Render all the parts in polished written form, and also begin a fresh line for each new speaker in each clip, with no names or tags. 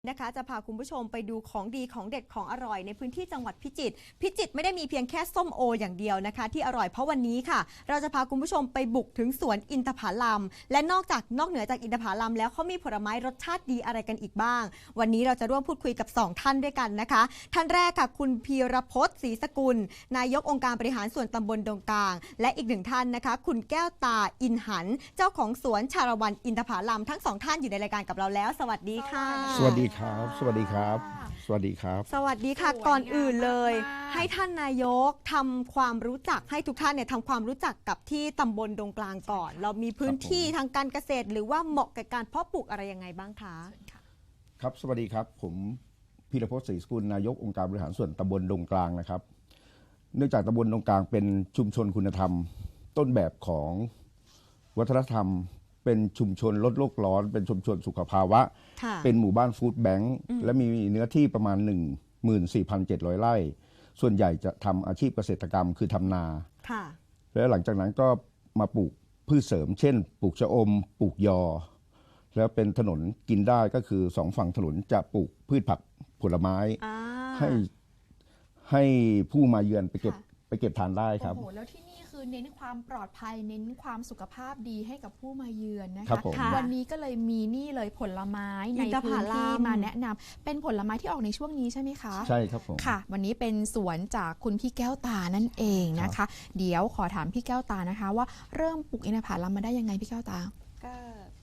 นะคะจะพาคุณผู้ชมไปดูของดีของเด็ดของอร่อยในพื้นที่จังหวัดพิจิตรไม่ได้มีเพียงแค่ส้มโออย่างเดียวนะคะที่อร่อยเพราะวันนี้ค่ะเราจะพาคุณผู้ชมไปบุกถึงสวนอินทผลัมและนอกเหนือจากอินทผลัมแล้วเขามีผลไม้รสชาติดีอะไรกันอีกบ้างวันนี้เราจะร่วมพูดคุยกับ2ท่านด้วยกันนะคะท่านแรกค่ะคุณพีรพจน์ศรีสกุลนายกองค์การบริหารส่วนตำบลดงกลางและอีกหนึ่งท่านนะคะคุณแก้วตาอินหันเจ้าของสวนชาละวันอินทผลัมทั้ง2ท่านอยู่ในรายการกับเราแล้วสวัสดีค่ะ
สวัสดีครับสวัสดีครับสวัสดีครับ
สวัสดีค่ะก่อนอื่นเลยให้ท่านนายกทำความรู้จักให้ทุกท่านเนี่ยทำความรู้จักกับที่ตำบลดงกลางก่อนเรามีพื้นที่ทางการเกษตรหรือว่าเหมาะกับการเพาะปลูกอะไรยังไงบ้างคะ
ครับสวัสดีครับผมพีรพจน์ศรีสกุลนายกองค์การบริหารส่วนตำบลดงกลางนะครับเนื่องจากตำบลดงกลางเป็นชุมชนคุณธรรมต้นแบบของวัฒนธรรมเป็นชุมชนลดโลกร้อนเป็นชุมชนสุขภาวะเป็นหมู่บ้านฟู้ดแบงค์และมีเนื้อที่ประมาณ 14,700 ไร่ส่วนใหญ่จะทำอาชีพเกษตรกรรมคือทำนาแล้วหลังจากนั้นก็มาปลูกพืชเสริมเช่นปลูกชะอมปลูกยอแล้วเป็นถนนกินได้ก็คือสองฝั่งถนนจะปลูกพืชผักผลไม้ให้ผู้มาเยือนไปเก็บทานได้ครับ
โอ้โหแล้วที่นี่คือเน้นความปลอดภัยเน้นความสุขภาพดีให้กับผู้มาเยือนนะคะวันนี้ก็เลยมีนี่เลยผลไม้ในพื้นที่มาแนะนำเป็นผลไม้ที่ออกในช่วงนี้ใช่ไหมคะ
ใช่ครับผม
ค่ะวันนี้เป็นสวนจากคุณพี่แก้วตานั่นเองนะคะเดี๋ยวขอถามพี่แก้วตานะคะว่าเริ่มปลูกอินทผลัมมาได้ยังไงพี่แก้วตา
ก็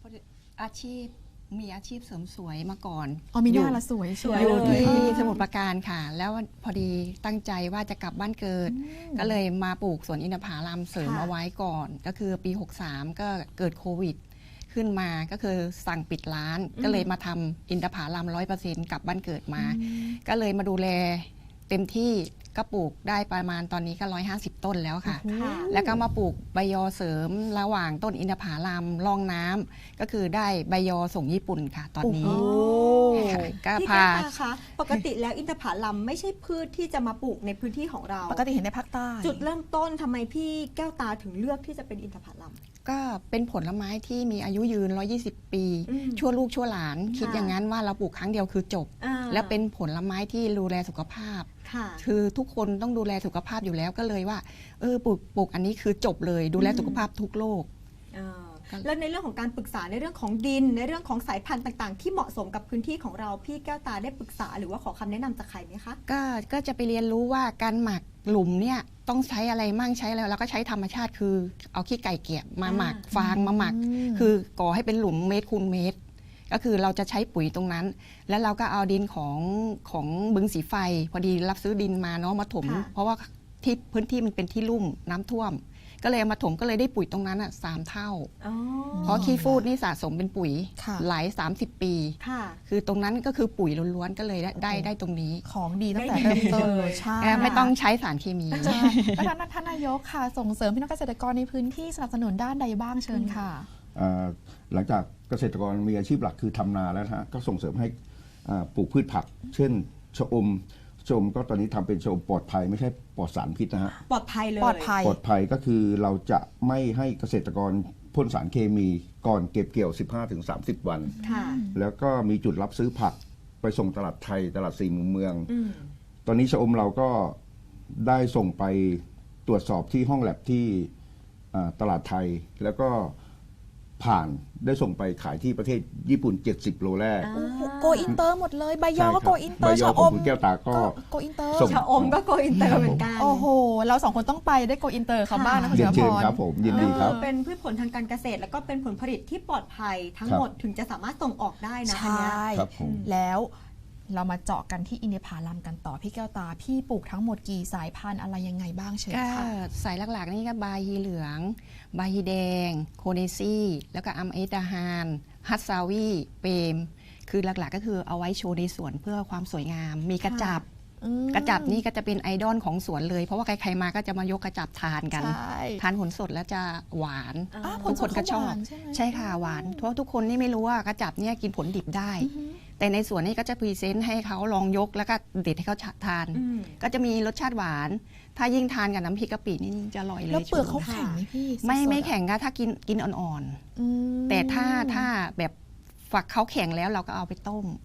มีอาชีพเสริมสวยมาก่อน
มีหน้าละสวย
อยู่ที่สมุทรปราการค่ะแล้วพอดีตั้งใจว่าจะกลับบ้านเกิดก็เลยมาปลูกสวนอินทผลัมเสริมเอาไว้ก่อนก็คือปี63ก็เกิดโควิดขึ้นมาก็คือสั่งปิดร้านก็เลยมาทำอินทผลัม 100% กลับบ้านเกิดมาก็เลยมาดูแลเต็มที่ก็ปลูกได้ประมาณตอนนี้ก็150ต้นแล้วค่ะแล้วก็มาปลูกใบยอเสริมระหว่างต้นอินทผลัมร่องน้ำก็คือได้ใบยอส่งญี่ปุ่นค่ะตอนนี้
ก็พาคะปกติแล้วอินทผลัมไม่ใช่พืชที่จะมาปลูกในพื้นที่ของเรา
ปกติเห็นในภาคใต้
จุดเริ่มต้นทำไมพี่แก้วตาถึงเลือกที่จะเป็นอินทผลัม
ก็เป็นผลไม้ที่มีอายุยืน120ปีชั่วลูกชั่วหลานคิดอย่างนั้นว่าเราปลูกครั้งเดียวคือจบและเป็นผลไม้ที่ดูแลสุขภาพคือทุกคนต้องดูแลสุขภาพอยู่แล้วก็เลยว่าปลูกอันนี้คือจบเลยดูแลสุขภาพทุกโรค
แล้วในเรื่องของการปรึกษาในเรื่องของดินในเรื่องของสายพันธุ์ต่างๆที่เหมาะสมกับพื้นที่ของเราพี่แก้วตาได้ปรึกษาหรือว่าขอคำแนะนำจากใครไหมคะ
ก็จะไปเรียนรู้ว่าการหมักหลุมเนี่ยต้องใช้อะไรมั่งใช้อะไรแล้วก็ใช้ธรรมชาติคือเอาขี้ไก่เกี่ยมาหมักฟางมาหมักคือก่อให้เป็นหลุมเมตรคูณเมตรก็คือเราจะใช้ปุ๋ยตรงนั้นแล้วเราก็เอาดินของบึงสีไฟพอดีรับซื้อดินมาเนาะมาถมเพราะว่าที่พื้นที่มันเป็นที่ลุ่มน้ำท่วมก็เลยมาถมก็เลยได้ปุ๋ยตรงนั้น3 เท่าเพราะขี้ฟูดนี่สะสมเป็นปุ๋ยหลาย30 ปีคือตรงนั้นก็คือปุ๋ยล้วนๆก็เลยได้ตรงนี้
ของดีตั้งแต่เริ่มต้นเลยใช่
ไม่ต้องใช้สารเคมี
แล้วท่านนายกค่ะส่งเสริมพี่น้องเกษตรกรในพื้นที่สนับสนุนด้านใดบ้างเชิญค่ะ
หลังจากเกษตรกรมีอาชีพหลักคือทำนาแล้วนะฮะก็ส่งเสริมให้ปลูกพืชผักเช่นชะอมก็ตอนนี้ทำเป็นชะอมปลอดภัยไม่ใช่ปลอดสารพิษนะฮะ
ปลอดภัยเลย
ปลอดภัยก็คือเราจะไม่ให้เกษตรกรพ่นสารเคมีก่อนเก็บเกี่ยว 15-30 วันแล้วก็มีจุดรับซื้อผักไปส่งตลาดไทยตลาด4 มุมเมืองตอนนี้ชะอมเราก็ได้ส่งไปตรวจสอบที่ห้องแลบที่ตลาดไทยแล้วก็ผ่านได้ส่งไปขายที่ประเทศญี่ปุ่น70 โลแรก
โกอินเตอร์หมดเลยใบยอก็โกอินเตอร์
ชะอมคุณแก้วตาก็
โกอินเตอร์
ชะอมก็โกอินเตอร์เหมือนกัน
โอ้โหเรา2คนต้องไปได้โกอินเตอร์เขาบ้างนะคุณเ
ชิญครับผมยินดีครับ
เป็นพืชผลทางการเกษตรแล้วก็เป็นผลผลิตที่ปลอดภัยทั้งหมดถึงจะสามารถส่งออกได้นะ
ใช่แล้วเรามาเจาะกันที่อินทผลัมกันต่อพี่แก้วตาพี่ปลูกทั้งหมดกี่สายพันธุ์อะไรยังไงบ้างเชิญค่ะ
สายหลักๆนี่ก็บาฮีเหลืองบาฮีแดงโคเนซี่แล้วก็อัมเอตาฮานฮัตซาวีเปมคือหลักๆก็คือเอาไว้โชว์ในสวนเพื่อความสวยงามมีกระจับนี่ก็จะเป็นไอดอลของสวนเลยเพราะว่าใครๆมาก็จะมายกกระจับทานกันทานผลสดแล้วจะหวานทุกคนก็ชอบใช่ค่ะหวานเพราะทุกคนนี่ไม่รู้ว่ากระจับเนี่ยกินผลดิบได้แต่ในสวนนี่ก็จะพรีเซนต์ให้เขาลองยกแล้วก็เด็ดให้เขาทานก็จะมีรสชาติหวานถ้ายิ่งทานกับน้ำพริกกะปินี่จะอร่อยเลย
แล้วเปลือกเขาแข็งไหมพี่
ไม่แข็งก็ถ้ากินอ่อนๆแต่ถ้าแบบฝักเขาแข็งแล้วเราก็เอาไปต้ม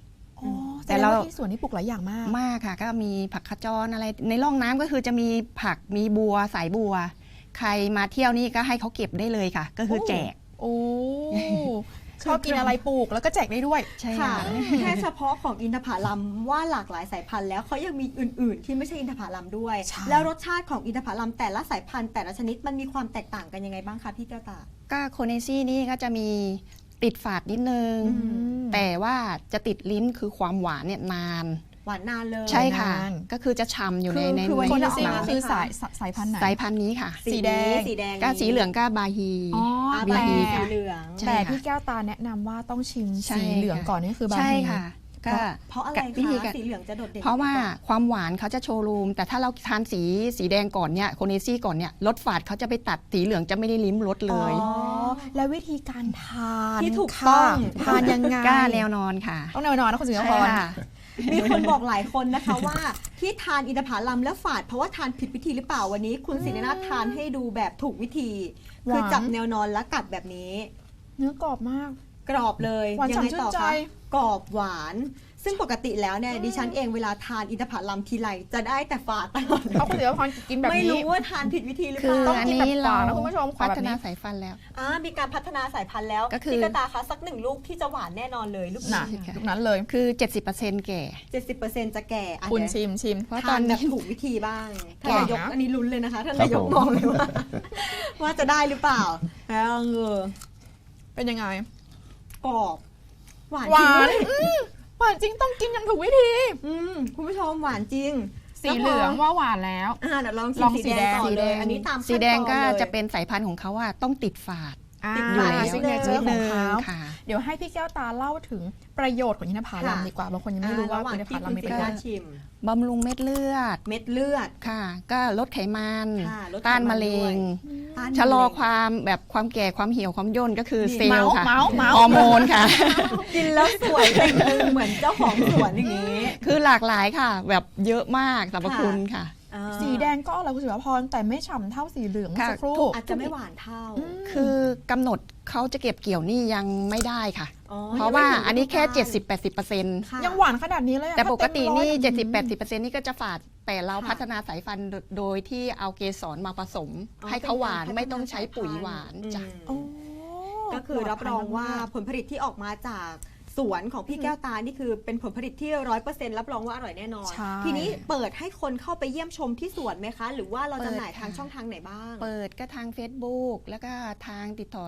อ๋อ
แต่
แต่
เรา
เราที่สวนนี่ปลูกหลายอย่างมาก
มากค่ะก็มีผักขจรอะไรในร่องน้ำก็คือจะมีผักมีบัวสายบัว ใครมาเที่ยวนี่ก็ให้เขาเก็บได้เลยค่ะ ก็คือแจก
โอ้ชอบกินอะไรปลูกแล้วก็แจกได้ด้วย
ใช่
ค่ะ
ค่ะ
แค่เฉพาะของอินทผลัมว่าหลากหลายสายพันธุ์แล้วเขายังมีอื่น ๆ ที่ไม่ใช่อินทผลัมด้วย
ใช่
แล้วรสชาติของอินทผลัมแต่ละสายพันธุ์แต่ละชนิดมันมีความแตกต่างกันยังไงบ้างคะพี่แก้วตา
ก็โคเนซี่นี่ก็จะมีติดฝาดนิดนึง
อืม
แต่ว่าจะติดลิ้นคือความหวานเนี่ยนาน
หวานนานเลย
ใช่ค่ะ
นาน
ก็คือจะฉ่ำอยู่ใน
คือวัน
โค
นี้
น
เรา
ซี
เอามา
นี่คือสายพันธุ์ไหน
สายพันธุ์นี้ค่ะ
สีแดง
สีแดง
ก็สีเหลืองก็บาฮี
อ๋อ
อ่า
บี
ใบ
บี
สี
ค่ะ
เหลือง
ใช่
แต่
ค่ะ
พี่แก้วตาแนะนำว่าต้องชิม
ใช่
สีเหลือง
ค่ะ
ก่อนนี่คือบา
ใช่
ฮี
ค่ะ ก็
เพราะอะไร
วิธี
คะ
การ
สีเหลืองจะโดดเด่น
เพราะว่าความหวานเขาจะโชว์รูม แต่ถ้าเราทานสีแดงก่อนเนี่ยโคเนซี่ก่อนเนี่ยรสฝาดเขาจะไปตัดสีเหลืองจะไม่ได้ลิ้มรสเลย
อ๋อแล้ววิธีการทาน
ที่ถูก
ค่ะ
ต้อง
ทานยังไง
กล้าแนวนอนค่ะ
ต้องแนวนอนนะคุณสิงห์
ใช่
พร
ค่ะ
มีคนบอกหลายคนนะคะว่าที่ทานอินทผลัมแล้วฝาดเพราะว่าทานผิดวิธีหรือเปล่าวันนี้ คุณศิรินาถทานให้ดูแบบถูกวิธี คือจับแนวนอนและกัดแบบนี้
เนื้อกรอบมาก
กรอบเลย
หวาน
ยัไง
ฉ่ำชื่
ต่อน
ใจ
คะกรอบหวาน ซึ่งปกติแล้วเนี่ยดิฉันเองเวลาทานอินทผลัมทีไรจะได้แต่ฝาดตลอดเลย
เอาคุณสิงห์พรกินแบบ
ไม่
นี้
รู้ว่าทานผิดวิธีหรือ
คื
เป
อ
ล่า
ต้อง
อัน
กินแบบ
นี้
ฝา
เรา
ดนะคุณผู้ชมขอ
พั
แบบ
ฒ
นี้
นาสายพันธุ์แล้ว
มีการพัฒนาสายพันธุ์แล้ว
ก็คือ
พี่กระตาคะสักหนึ่งลูกที่จะหวานแน่นอนเลยลูก
น่ะ
นี้
ลูกนั้นเลย
คือ 70%แก่
70%จะแก่อ่ะ
คุณ
เดี๋ยว
ชิม
เพราะต
ทา
อน น
แบบ
นี้
ถูกวิธีบ้างท่าน
แก่
นายก
นะ
อันนี้ลุ้นเลยนะคะท่าน
ครับ
นายก
ผม
มองเลยว่า ว่าจะได้หรือเปล่าแล้ว
เป็นยังไง
กรอบหวาน
หวา
จริง
น
ด้วย
หวานจริงต้องกินอย่างถูกวิธี
คุณผู้ชมหวานจริง
สีเหลืองว่าหวานแล้ว
เดี๋ยวลอง
ลอง
สี
สี
แด
แด
ง
ง
ต่อเลย อันนี้ตาม
สีแดงก็
ขั้นตอนเลย
จะเป็นสายพันธุ์ของเขาว่าต้องติดฝาด
อ่า
อยู่แล้ว
ซิกเนเจอร์ของเขา
ค่ะ
เดี๋ยวให้พี่แก้วตาเล่าถึงประโยชน์ของอินทผลัม
ค่ะ
ดีกว่าบางคนยังไม่รู้ว่า
ระหว่าง
อินทผ
ที่
ลั
คุ
ม
ณ
มี
ศิ
ประ
ริ
โย
นา
ช
ถ
น์
ชิม
บำรุงเม็ดเลือด
เม็ดเลือด
ค่ะ ก็ลดไขมัน
ค่ะลดไขมัน
ต้านมะเร็ง
ต้าน
ชะลอ
มะเร็ง
ความแบบความแก่ความเหี่ยวความย่นก็คือ
นี่
เซลล์ค่ะ
เมาส์
ฮอร์โมนค่ะ
กินแล้วสวยเป็นเหมือนเจ้าของสวนอย่างนี้
คือหลากหลายค่ะ แบบเยอะมากสรรพคุณค่ะ
สีแดงก็อร่อยคุณสิวพรแต่ไม่ฉ่ำเท่าสีเหลืองเมื่อ
ค่ะ
สักครู่
อาจจะไม่หวานเท่า
คือกำหนดเขาจะเก็บเกี่ยวนี่ยังไม่ได้ค่ะ
อ๋อ
เพราะว่า
ยังไม่ถึง
อันนี้แค่
ฤดูกาล
70-80%
ค่ะ
ยังหวานขนาดนี้เลยอะ
แต่ปกตินี่
ถ้าเต็มร้อย
70-80%นี่ก็จะฝาดแต่เรา
ค่ะ
พัฒนาสายพันธุ์โดยที่เอาเกสรมาผสม
อ๋อ
ให้เขาหวาน
เป็นกร
ไม่ต้องใช้ปุ๋ยหวาน
พัฒ
จ้ะ
สายพันธุ์
โอ้
ก็คือรับรองว่า
ปลดภัยมก
ผลผลิตที่ออกมาจากสวนของพี่แก้วตานี่คือเป็นผลผลิตที่ 100%รับรองว่าอร่อยแน่นอน
ใช่
ทีนี้เปิดให้คนเข้าไปเยี่ยมชมที่สวนไหมคะ หรือว่าเราจำหน่าย
เปิด
ทาง
ค่ะ
ช่องทางไหนบ้าง
เปิดก็ทาง Facebook แล้วก็ทางติดต่อ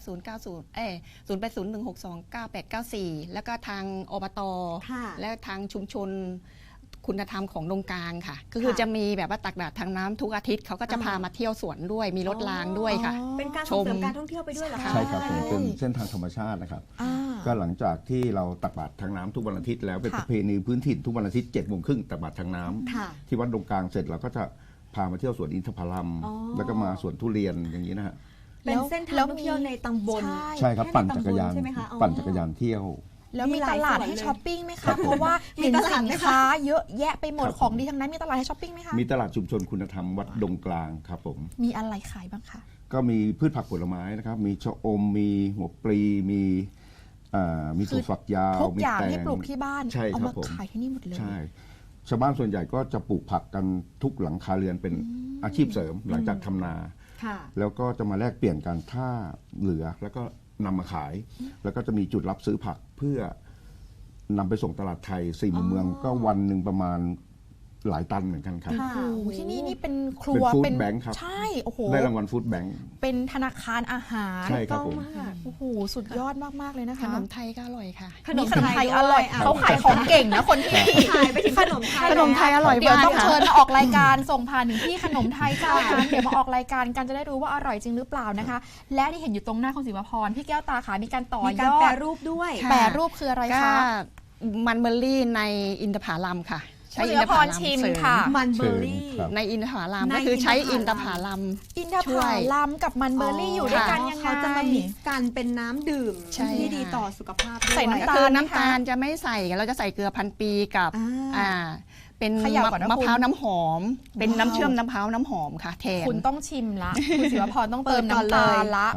08098081629894 แล้วก็ทางอบต
ค่ะ
และทางชุมชนคุณธรรมของดงกลางค่ะ ก็คือ
ค่ะ
จะมีแบบว่าตักบาตรทางน้ำทุกอาทิตย์เขาก็จะ
อ่า
พามาเที่ยวสวนด้วย มีรถรางด้วยค่ะ
อ๋อ
เป็นการส่งเสริมการท่องเที่ยวไปด้วยเหรอคะ
ใช่ครับผมเป็นเส้นทางธรรมชาตินะครับ
อ่า
ก็หลังจากที่เราตักบาตรทางน้ำทุกวันอาทิตย์แล้วเป็น
ค่ะ
ประเพณีพื้นถิ่นทุกวันอาทิตย์7:30ตักบาตรทางน้ำ
ค่ะ
ที่วัดดงกลางเสร็จเราก็จะพามาเที่ยวสวนอินทผลัม
อ๋อ
แล้วก็มาสวนทุเรียนอย่างนี้นะฮะ
เป็นเส้นทางท่องเที่ยวในตำบล
ใช่ครับ
แค่
ปั่น
ใน
จักรยาน
ตำบลใช่ไหมคะอ๋อ
ปั่นจักรยานเที่ยว
แล้วมี
มีหลา
ต
ย
ลาด
ส่วน
ให้
เลย
ช้อปปิ้งไหม
ครั
คะ
บผม
เพราะว่า
มี
เห็น
ตลาด
สิน
ไหมคะ
ค้าเยอะแยะไปหมด
ครับ
ของดีทั้งนั้นมีตลาดให้ช้อปปิ้งไหมคะ
มีตลาดชุมชนคุณธรรมวัดดงกลางครับผม
มีอะไรขายบ้างคะ
ก็มีพืชผักผลไม้นะครับ มีชะอม มีหัวปลี มีถั่วฝักยาว
ทุก
มี
อย่าง
แตง
ที่ปลูกที่บ้าน
ใช่
เอา
ครั
มา
บผม
ขายที่นี่หมดเลย
ใช่ ชาวบ้านส่วนใหญ่ก็จะปลูกผักกันทุกหลังคาเรือนเป็นอาชีพเสริมหลังจากทำนา
ค่ะ
แล้วก็จะมาแลกเปลี่ยนกันถ้าเหลือแล้วก็นำมาขาย แล้วก็จะมีจุดรับซื้อผักเพื่อนำไปส่งตลาดไทย4มุมเมืองก็วันหนึ่งประมาณหลายตันเหมือนกันครับ
ค่ะ
โอ้โหที่นี่นี่เป็นครั
เป็น
ว
ฟู้ดแบงค์ครับ
ใช่โอ้โห
ได้รางวัลฟู้ดแบงค์
เป็นธนาคารอาหาร
ใช่ครับผม
ต้องมาก
โอ้โหสุดยอดมากๆเลยนะ
ข
คะ
นมไทยก็อร่อยค่ะ
มีขนมไทยอร่อย
ด้วย
เขาขายของเก่งนะคนที่
ขายไปถึงขนมไทย
ขนมไทยอร่อย
เดี๋ยว
มาก
ต้อง
ค่ะ
เชิญมาออกรายการส่งผ่านถึงที่ขนมไทยเจ้านั้นเดี๋ยวมาออกรายการกันจะได้รู้ว่าอร่อยจริงหรือเปล่านะคะ และที่เห็นอยู่ตรงหน้าคุณศิวพรพี่แก้วตาขามีการต่อ
มี
ย
การ
อ
แปร
ด
รูปด้วย
ค่ะ
แปรรูปคืออะไร
ก็
คะ
มันเบอร์รี่ในอินทผลัมค่ะ ใช้
คุณ
อิ
ศิ
น
ว
ท
พ
ผ
ร
ลัม
ชิม
เสริม
ค่ะ
มันเบอร์รี่
เชิญครับ
ในอินทผลัม
ใน
ก็คือใช้
อิ
อิ
น
น
ท
ท
ผ
ผ
ลั
ลั
ม
ม
อินทผ
ช่วย
ลัมกับมันเบอร์รี่อยู่ด้วยกันยังไง
เขาจะมามิกซ์กันเป็นน้ำดื่ม
ใช่
ที่ดี
ค่ะ
ต่อสุขภาพด้วย
ใส่น้ำ
ก็
ตาล
คือ
ไหม
น้ำ
คะ
ตาลจะไม่ใส่เราจะใส่เกลือพันปีกับ
อ่า
เป็น
เขย่าก่อนนะ
มะ
คุณ
พร้าวน้ำหอม เป็น
ว้าว
น้ำเชื่อมน้ำพร้าวน้ำหอมค่ะแทน
คุณต้องชิมละคุณศิวพรต้องเติม
เปิดก่อน
น้ำตาล
เลย
ละ
ครับ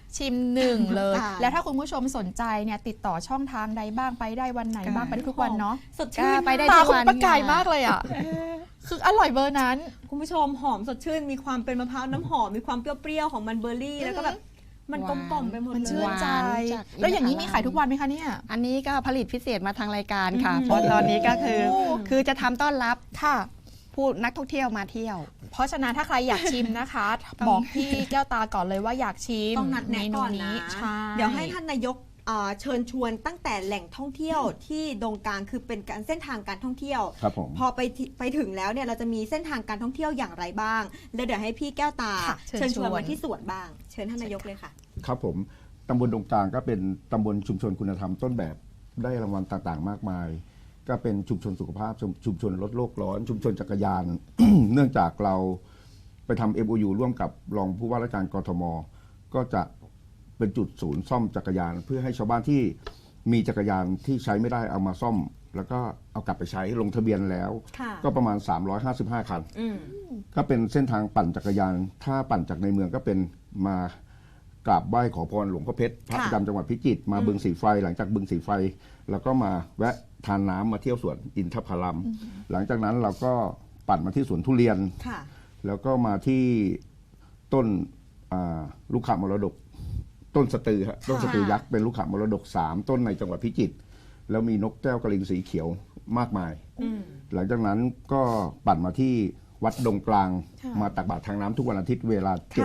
ชิมหนึ่งเลย
ค่ะ
แล้วถ้าคุณผู้ชมสนใจเนี่ยติดต่อช่องทางใดบ้างไปได้วันไหนบ้างไปได้ทุกวันเนาะ
สดชื่น
ไปได้
ตา
ทุก
คุณ
วัน
ประกายมากเลยอ่ะคืออร่อยเบอร์นั้น
คุณผู้ชมหอมสดชื่นมีความเป็นมะพร้าวน้ำหอมมีความเปรี้ยวๆของมันเบอร์รี่แล้วก็แบบมันกลมกล่อมไปหมด
มัน
เล
ชื่
ย
นใจ
หวานจาก
แล้วอย่างนี้
อินทผลัม
มีขายทุกวันไหมคะเนี่ย
อันนี้ก็ผลิตพิเศษมาทางรายการค่ะ
อืม
เพราะตอนนี้ก็คือ
โอ้
คือจะทำต้อนรับ
ค่ะ
ผู้นักท่องเที่ยวมาเที่ยว
เพราะฉะนั้นถ้าใครอยากชิมนะคะ บอกพี่แก้วตาก่อนเลยว่าอยากชิม
ต้องนัดแนะก่อนนะ
ใช่
เดี๋ยวให้ท่านนายกเชิญชวนตั้งแต่แหล่งท่องเที่ยวที่ดงกลางคือเป็นการเส้นทางการท่องเที่ยว
ครับผม
พอไปถึงแล้วเนี่ยเราจะมีเส้นทางการท่องเที่ยวอย่างไรบ้างแล้วเดี๋ยวให้พี่แก้วตา
ค่ะ
เชิญชวนมาที่สวนบ้าง เชิญท่านนายกเลยค่ะ
ครับผมตำบลดงกลางก็เป็นตำบลชุมชนคุณธรรมต้นแบบได้รางวัลต่างๆ มากมาย ก็เป็นชุมชนสุขภาพชุมชนลดโลกร้อน ชุมชนจักรยาน เนื่องจากเราไปทำ MOU ร่วมกับรองผู้ว่าราชการกทม ก็จะเป็นจุดศูนย์ซ่อมจักรยาน เพื่อให้ชาวบ้านที่มีจักรยานที่ใช้ไม่ได้เอามาซ่อม แล้วก็เอากลับไปใช้ลงทะเบียนแล้ว
ค่ะ
ก็ประมาณ 355 คัน
อืม
ก็เป็นเส้นทางปั่นจักรยาน ถ้าปั่นจากในเมืองก็เป็นมากราบไหว้ขอพรหลวงพ่อเพชรพระ
ค่ะ
ประจำจังหวัดพิจิตรมาบึงสีไฟ หลังจากบึงสีไฟ แล้วก็มาแวะทานน้ำมาเที่ยวสวนอินทผลัม หลังจากนั้นเราก็ปั่นมาที่สวนทุเรียน
ค่ะ
แล้วก็มาที่ต้นลูกขามรดก ต้นสตือฮะต้นสตือยักษ์เป็นลูกขามรดก 3 ต้นในจังหวัดพิจิตรแล้วมีนกแก้วกระลิงสีเขียวมากมาย
อืม
หลังจากนั้นก็ปั่นมาที่วัดดงกลาง
ค่ะ
มาตักบาตรทางน้ำทุกวันอาทิตย์เวลา
ค่ะ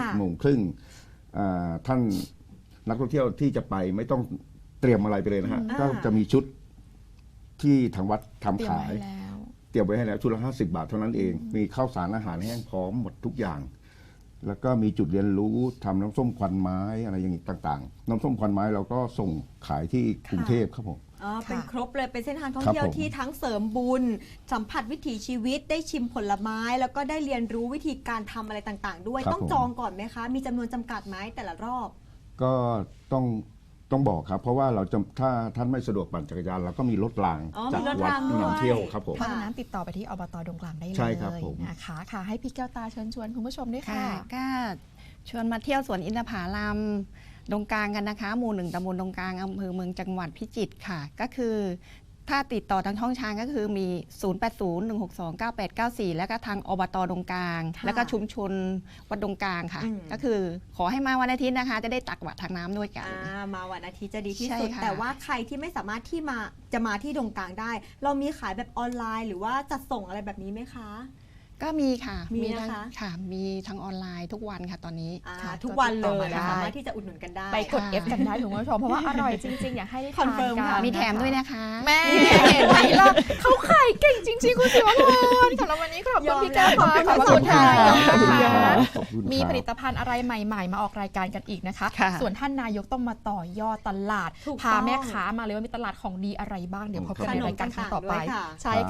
7:30ท่านนักท่องเที่ยวที่จะไปไม่ต้องเตรียมอะไรไปเลยนะฮะ ก็จะมีชุดที่ทางวัดทำ
เตรียม
ขา
ไว้
ย
ให้แล้ว
เตรียมไว้ให้แล้วชุดละ50 บาทเท่านั้นเอง มีข้าวสารอาหารแห้งพร้อมหมดทุกอย่าง แล้วก็มีจุดเรียนรู้ทำน้ำส้มควันไม้อะไรอย่างนี้ต่างๆ น้ำส้มควันไม้เราก็ส่งขายที่กรุงเทพครับผม
อ๋อเป็น
ค่ะ
ครบเลยเป็นเส้นทางท่อง
ครับ
เที่ยว
ผม
ที่ทั้งเสริมบุญ สัมผัสวิถีชีวิตได้ชิมผลไม้ แล้วก็ได้เรียนรู้วิธีการทำอะไรต่างๆ ด้วย
ครับ
ต้อง
ผม
จองก่อนไหมคะ มีจำนวนจำกัดไหมแต่ละรอบ
ก็ต้องบอกครับ เพราะว่าเราจะถ้าท่านไม่สะดวกปั่นจักรยานเราก็มีรถราง
อ๋อ
จาก
มีรถ
วัด
รางด้วย
นำเที่ยวครับผม
เพราะฉะนั้นติดต่อไปที่อบตดงกลางได้เลย
ใช่ครับผม
นะคะค่ะให้พี่แก้วตาเชิญชวนคุณผู้ชมด้วย
ค่ะ
ค่ะ
ก็ชวนมาเที่ยวสวนอินทผลัมดงกลางกันนะคะ หมู่ 1ตำบลดงกลางอำเภอเมืองจังหวัดพิจิตรค่ะ ก็คือถ้าติดต่อทางช่องทางก็คือมี 0801629894 แล้วก็ทางอบตดงกลาง
ค่ะ
แล้วก็ชุมชนวัดดงกลางค่ะ
อืม
ก็คือขอให้มาวันอาทิตย์นะคะ จะได้ตักบาตรทางน้ำด้วยกัน
มาวันอาทิตย์จะดีที่
ใช่
สุด
ค่ะ
แต่ว่าใครที่ไม่สามารถที่จะมาที่ดงกลางได้ เรามีขายแบบออนไลน์ หรือว่าจัดส่งอะไรแบบนี้ไหมคะ
ก็มีค่ะ
มี
ทั้ง
นะคะ
ค่ะ มีทางออนไลน์ทุกวันค่ะตอนนี้
ค่ะ
ทุกวันเล
ก็ติดต่อย มาได้
สามารถที่จะอุดหนุนกันได้
ไปกด
ค่ะ
F กันได้คุณผู้ชมเพราะว่าอร่อยจริงๆ อยากให้ได้
คอน
ทาน
เฟิร์ม
กั
ค่ะ
น
มีแถมด้วยนะคะ
แม่เห็นไหมล่ะเขาขายเก่งจริงๆ คุณสิวพรสำหรับวันนี้ขอบคุณพี่แก้วขอบคุณค่ะ
ขอบคุณ
นะ
ครั
คะ
บขอบคุณครับ
มีผลิตภัณฑ์อะไรใหม่ๆ มาออกรายการกันอีกนะคะ
ค่ะ
ส่วนท่านนายกต้องมาต่อยอดตลาด
ถูก
พา
ต้อง
แม่ค้ามาเลยว่ามีตลาดของดีอะไรบ้าง เดี๋ยวพบกันในรายการครั้งต่อไป
ขนมต่างๆด้วยค่ะ
ใช่